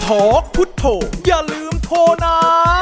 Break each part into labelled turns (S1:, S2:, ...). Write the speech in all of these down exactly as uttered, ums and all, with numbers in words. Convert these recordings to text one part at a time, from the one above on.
S1: ทอกพุทโธอย่าลืมโทรนะ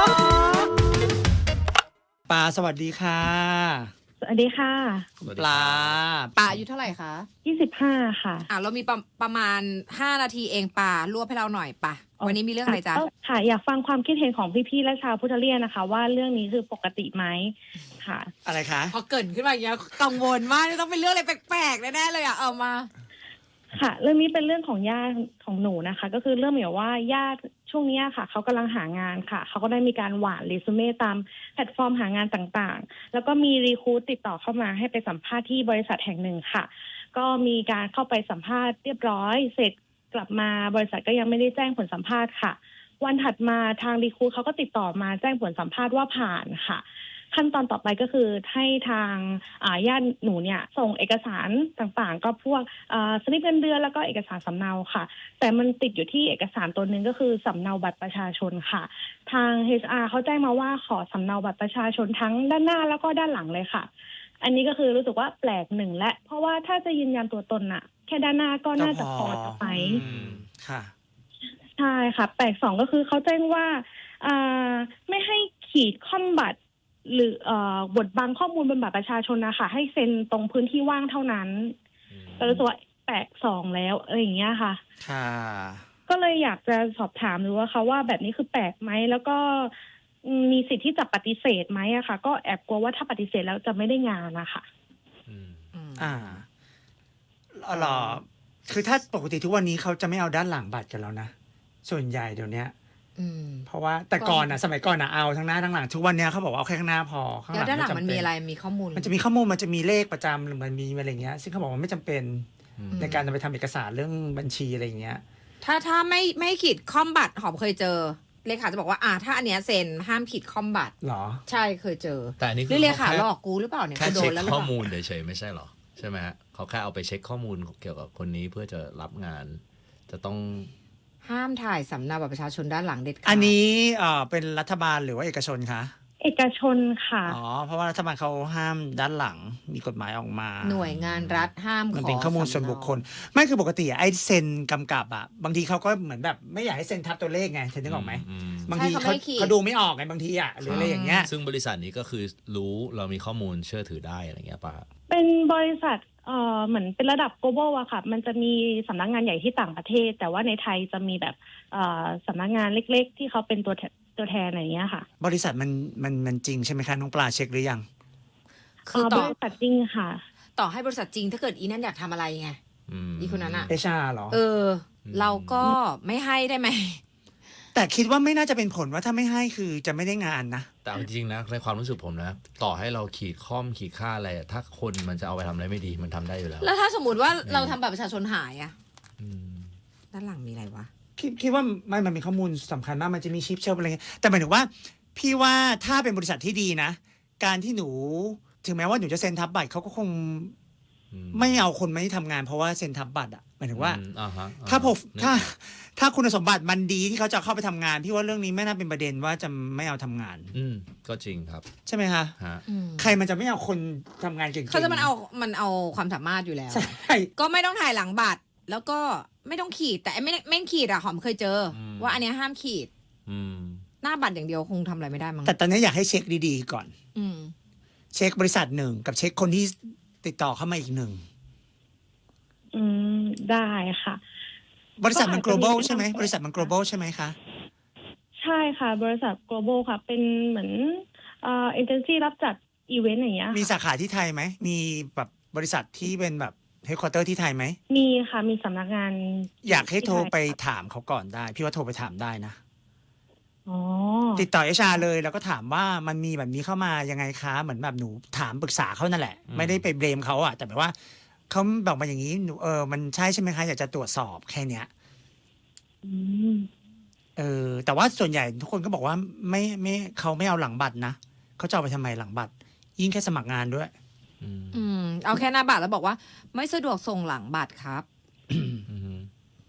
S1: ปาสวัสดีค่ะ
S2: สวัสดีค่ะ
S1: ปลา
S3: ป่าอายุเท่าไหร่คะ
S2: ยี่สิบห้าค่ะ
S3: อ่ะเรามีประประมาณห้านาทีเองป่ารวบให้เราหน่อยป่ะวันนี้มีเรื่องอะไรจ๊ะ
S2: ค่ะอยากฟังความคิดเห็นของพี่ๆและชาวพุทธเลียนนะคะว่าเรื่องนี้คือปกติไหมค่ะ
S1: อะไรคะ
S3: พอเกิดขึ้นมาอย่างเงี้ยกังวลมากต้องเป็นเรื่องอะไรแปลกๆแน่ๆเลยอ่ะเอามา
S2: ค่ะเรื่องนี้เป็นเรื่องของญาติของหนูนะคะก็คือเรื่องเหมือนว่าญาติช่วงนี้ค่ะเขากำลังหางานค่ะเขาก็ได้มีการหว่านเรซูเม่ตามแพลตฟอร์มหางานต่างๆแล้วก็มีรีครูทติดต่อเข้ามาให้ไปสัมภาษณ์ที่บริษัทแห่งหนึ่งค่ะก็มีการเข้าไปสัมภาษณ์เรียบร้อยเสร็จกลับมาบริษัทก็ยังไม่ได้แจ้งผลสัมภาษณ์ค่ะวันถัดมาทางรีครูทเขาก็ติดต่อมาแจ้งผลสัมภาษณ์ว่าผ่านค่ะขั้นตอนต่อไปก็คือให้ทางญาติหนูเนี่ยส่งเอกสารต่างๆก็พวกสลิปเงินเดือนแล้วก็เอกสารสำเนาค่ะแต่มันติดอยู่ที่เอกสารตัวนึงก็คือสำเนาบัตรประชาชนค่ะทาง เอช อาร์ เขาแจ้งมาว่าขอสำเนาบัตรประชาชนทั้งด้านหน้าแล้วก็ด้านหลังเลยค่ะอันนี้ก็คือรู้สึกว่าแปลกหนึ่งและเพราะว่าถ้าจะยืนยันตัวตนน่ะแค่ด้านหน้าก็น่าจะพอจะไป
S1: ค่ะ
S2: ใช่ค่ะแปลกสองก็คือเขาแจ้งว่าไม่ให้ขีดค่อมบัตรหรือเอ่อบทบังข้อมูลบนบัตรประชาชนนะคะให้เซ็นตรงพื้นที่ว่างเท่านั้นก็รู้สึกว่าแปลกสองแล้วอะไรอย่างเงี้ยค่ะ
S1: ค่ะ
S2: ก็เลยอยากจะสอบถามดูว่าเขาว่าแบบนี้คือแปลกไหมแล้วก็มีสิทธิ์ที่จะปฏิเสธไหมอะค่ะก็แอบกลัวว่าถ้าปฏิเสธแล้วจะไม่ได้งานนะคะ
S1: อืมอ่าหรอคือถ้าปกติทุกวันนี้เขาจะไม่เอาด้านหลังบัตรกันแล้วนะส่วนใหญ่เดี๋ยวนี้เพราะว่าแต่ก่อนอ่ะสมัยก่อนอ่ะเอาทั้งหน้าทั้งหลังทุกวันนี้เขาบอกว่าเอาแค่ข้างหน้าพอ
S3: ข้างหลังด้านหลังมันมีอะไรมีข้อมูล
S1: มันจะมีข้อมูลมันจะมีเลขประจำหรือมันมีอะไรเงี้ยซึ่งเขาบอกว่าไม่จำเป็นในการจะไปทำเอกสารเรื่องบัญชีอะไรเงี้ย
S3: ถ้าถ้าไม่ไม่ขีดคอมบัตรหอมเคยเจอเลขาจะบอกว่าอ่าถ้าอันเนี้ยเซ็นห้ามขีดคอมบัตร
S1: หรอ
S3: ใช่เคยเจอ
S4: แต่อันนี้
S3: คือเลขาหลอกกูหรือเปล่าเนี่ย
S4: แค่เช็คข้อมูลเฉยๆไม่ใช่หรอใช่ไหมฮะเขาแค่เอาไปเช็คข้อมูลเกี่ยวกับคนนี้เพื่อจะรับงานจะต้อง
S3: ห้ามถ่ายสำเนาบัตรประชาชนด้านหลังเด็ดขาด
S1: อันนี้เอ่อเป็นรัฐบาลหรือว่าเอกชนคะ
S2: เอกชนค่ะ
S1: อ๋อเพราะว่ารัฐบาลเขาห้ามด้านหลังมีกฎหมายออกมา
S3: หน่วยงานรัฐห้ามขอ
S1: มันเป็นข้อมูลส่วนบุคคลไม่คือปกติไอ้เซ็นกำกับอ่ะบางทีเขาก็เหมือนแบบไม่อยากให้เซ็นทับตัวเลขไงเซ็นนึกออกไหมบางทีเขาเขาดูไม่ออกไงบางทีอ่ะหรืออะไรอย่างเงี้ย
S4: ซึ่งบริษัทนี้ก็คือรู้เรามีข้อมูลเชื่อถือได้อะไรเงี้ยป่ะ
S2: เป็นบริษัทเอ่อเหมือนเป็นระดับ global อะค่ะมันจะมีสำนักงานใหญ่ที่ต่างประเทศแต่ว่าในไทยจะมีแบบเอ่อสำนักงานเล็กๆที่เขาเป็นตัวตัวแทนอะไรอย่างเงี้ยค่ะ
S1: บริษัทมันมันมันจริงใช่ไหมคะน้องปลาเช็คหรือยัง
S2: คือต่อบริษัทจริงค่ะ
S3: ต่อให้บริษัทจริงถ้าเกิดอีนั่นอยากทำอะไรไงอีคนนั้นอะ
S1: เอชาหรอ
S3: เออเราก็ไม่ให้ได้ไหม
S1: แต่คิดว่าไม่น่าจะเป็นผลว่าถ้าไม่ให้คือจะไม่ได้งานนะ
S4: แต่จริงๆนะในความรู้สึกผมนะต่อให้เราขีดข้อมขีดค่าอะไรถ้าคนมันจะเอาไปทำอะไรไม่ดีมันทำได้อยู่แล้ว
S3: แล้วถ้าสมมติว่าเราทำบัตรประชาชนหายอะด้านหลังมีอะไรวะ
S1: คิดคิดว่าไม่มันมีข้อมูลสำคัญมากมันจะมีชิปเชลอะไรเงี้ยแต่หมายถึงว่าพี่ว่าถ้าเป็นบริษัทที่ดีนะการที่หนูถึงแม้ว่าหนูจะเซ็นทับบัตรเขาก็คงไม่เอาคนมาที่ทำงานเพราะว่าเซ็นทับบัตรอ่ะหมายถึงว่าถ้าพอถ้าถ้าคุณสมบัติมันดีที่เขาจะเข้าไปทำงานพี่ว่าเรื่องนี้ไม่น่าเป็นประเด็นว่าจะไม่เอาทำงาน
S4: อืมก็จริงครับ
S1: ใช่ไหมคะใครมันจะไม่เอาคนทำงานเก่งๆ
S3: เขาจะมันเอามันเอาความสามารถอยู่แล้วก็ไม่ต้องถ่ายหลังบัตรแล้วก็ไม่ต้องขีดแต่ไม่ไม่ขีดอะหอมเคยเจอว่าอันนี้ห้ามขีดหน้าบัตรอย่างเดียวคงทำอะไรไม่ได้มั้ง
S1: แต่ตอนนี้อยากให้เช็คดีๆก่อนเช็คบริษัทหนึ่งกับเช็คคนที่ติดต่อเข้ามาอีกหนึ่ง
S2: อืมได้ค่ะ
S1: บริษัทมัน global ใช่ไหมบริษัทมัน global ใช่ไหมคะ
S2: ใช่ค่ะบริษัท global ค่ะเป็นเหมือนเอ่อเอเจนซี่รับจัดอีเวนต์อย่างเงี้ย
S1: มีสาขาที่ไทยไหมมีแบบบริษัทที่เป็นแบบเฮดควอเตอร์ที่ไทยไหม
S2: มีค่ะมีสำนักงาน
S1: อยากให้โทรไปถามเขาก่อนได้พี่ว่าโทรไปถามได้นะ
S2: อ๋อ
S1: ติดต่อ เอช อาร์ เลยแล้วก็ถามว่ามันมีแบบนี้เข้ามายังไงคะเหมือนแบบหนูถามปรึกษาเขานั่นแหละไม่ได้ไปเบลมเขาอะแต่แบบว่าเขาบอกมาอย่างนี้หนูเออมันใช่ใช่ไหมคะอยากจะตรวจสอบแค่เนี้ยเออแต่ว่าส่วนใหญ่ทุกคนก็บอกว่าไม่ไม่เขาไม่เอาหลังบัตรนะเขาจะเอาไปทำไมหลังบัตรยิ่งแค่สมัครงานด้วย
S3: อืมเอาแค่หน้าบัตรแล้วบอกว่าไม่สะดวกส่งหลังบัตรครับ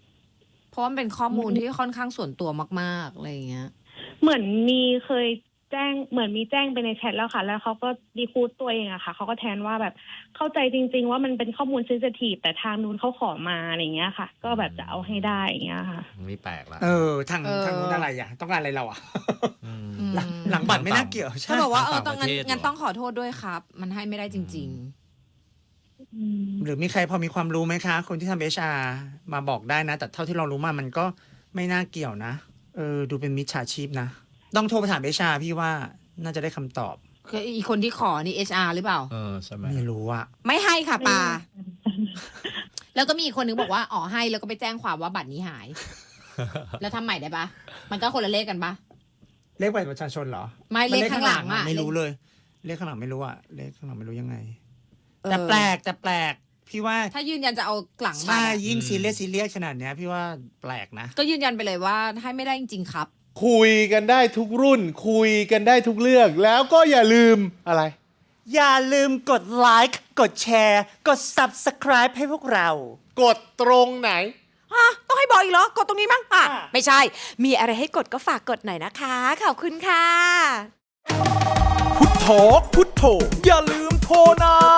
S3: เพราะมันเป็นข้อมูลที่ค่อนข้างส่วนตัวมากๆอะไรอย่างเงี้ย
S2: เหมือนมีเคยแจ้งเหมือนมีแจ้งไปในแชทแล้วค่ะ แล้วเขาก็ดีคูดตัวเองอะค่ะเขาก็แทนว่าแบบเข้าใจจริงๆว่ามันเป็นข้อมูลเซนซิทีฟแต่ทางนู้นเขาขอมาอะไรอย่างเงี้ยค่ะ ก็แบบจะเอาให้ได้อย่างเงี้ยค่ะ
S4: นี่แปลกละ
S1: เออทาง
S3: เออ
S1: ทางนู้นอะไรอ่ะต้องการอะไรเราอ่ะ
S4: อืม
S1: หลังหลังบัตรไม่น่าเกี่ยว
S3: เขา
S1: ใช่
S3: บอกว่าเออ
S4: ต่าง
S3: ต้องงั้น
S4: ประเทศเหรอ
S3: งั้นต้องขอโทษด้วยครับ มันให้ไม่ได้จริง
S2: อืม
S1: หรือมีใครพอมีความรู้ไหมคะ คนที่ทำเอชอาร์มาบอกได้นะ แต่เท่าที่เรารู้มามันก็ไม่น่าเกี่ยวนะเออดูเป็นมิจฉาชีพนะต้องโทรไปถามเอชอาร์พี่ว่าน่าจะได้คำตอบ
S3: ๆคืออีคนที่ขอนี่ เอช อาร์ หรือเปล่า
S4: เออใช่ไหม
S1: ไม่รู้อะ
S3: ไม่ให้ค่ะปา แล้วก็มีอีกคนนึงบอกว่าอ๋อให้แล้วก็ไปแจ้งความว่าบัตรนี้หาย แล้วทำใหม่ได้ปะมันก็คนละเลขกันปะ
S1: เลขบัตรประชาชนเหรอ
S3: ไม่เลขข้างหลังอะ
S1: ไม่รู้เลย เลขข้างหลังไม่รู้อะเลขข้างหลังไม่รู้ยังไง
S3: เออ
S1: แต่แปลกแต่แปลกพี่ว่า
S3: ถ้ายืนยันจะเอาหลังบัต
S1: ใช่
S3: รอะ
S1: ยิ่งซีเรียสซีเรียสขนาดเนี้ยพี่ว่าแปลกนะ
S3: ก็ยืนยันไปเลยว่าให้ไม่ได้จริงๆครับ
S5: คุยกันได้ทุกรุ่น คุยกันได้ทุกเรื่อง แล้วก็อย่าลืมอะไร
S1: อย่าลืมกดไลค์กดแชร์ กด Subscribe ให้พวกเรา
S5: กดตรงไหน
S6: ฮะต้องให้บอกอีกเหรอ กดตรงนี้มั้งอ่ะ
S1: อ่ะ
S6: ไม่ใช่ มีอะไรให้กดก็ฝากกดหน่อยนะคะ ขอบคุณค่ะ
S7: พุทโธพุทโธอย่าลืมโทรนะ